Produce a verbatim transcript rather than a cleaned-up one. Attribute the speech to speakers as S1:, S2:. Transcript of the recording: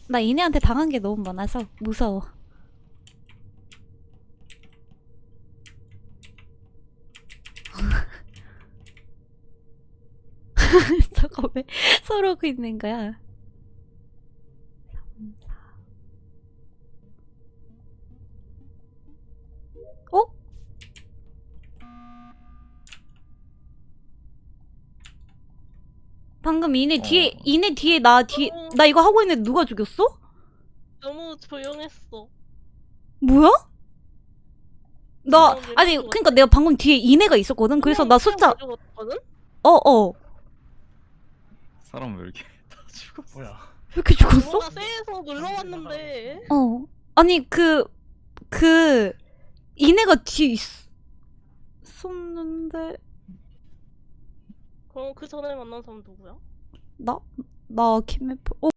S1: 나 이네한테 당한 게 너무 많아서 무서워. 저거 왜 서러고 있는 거야? 어? 방금 이네 뒤에
S2: 어.
S1: 이네 뒤에 나 뒤에
S3: 너무-
S1: 나 이거 하고 있는데 누가 죽였어?
S3: 너무 조용했어.
S1: 뭐야? 나
S3: 어,
S1: 아니
S3: 내가
S1: 그러니까 내가 방금 뒤에 이네가 있었거든. 그래서 나 숫자
S3: 가져갔거든?
S1: 어어 왜
S2: 사람 왜 이렇게 다 죽었어?
S4: 뭐야?
S1: 이렇게 죽었어?
S3: 뭔가 쎄해서 눌러왔는데.
S1: 어 아니 그 그 이네가 뒤에 있었는데
S3: 그럼 그 전에 만난 사람 누구야?
S1: 나 나 김혜프 어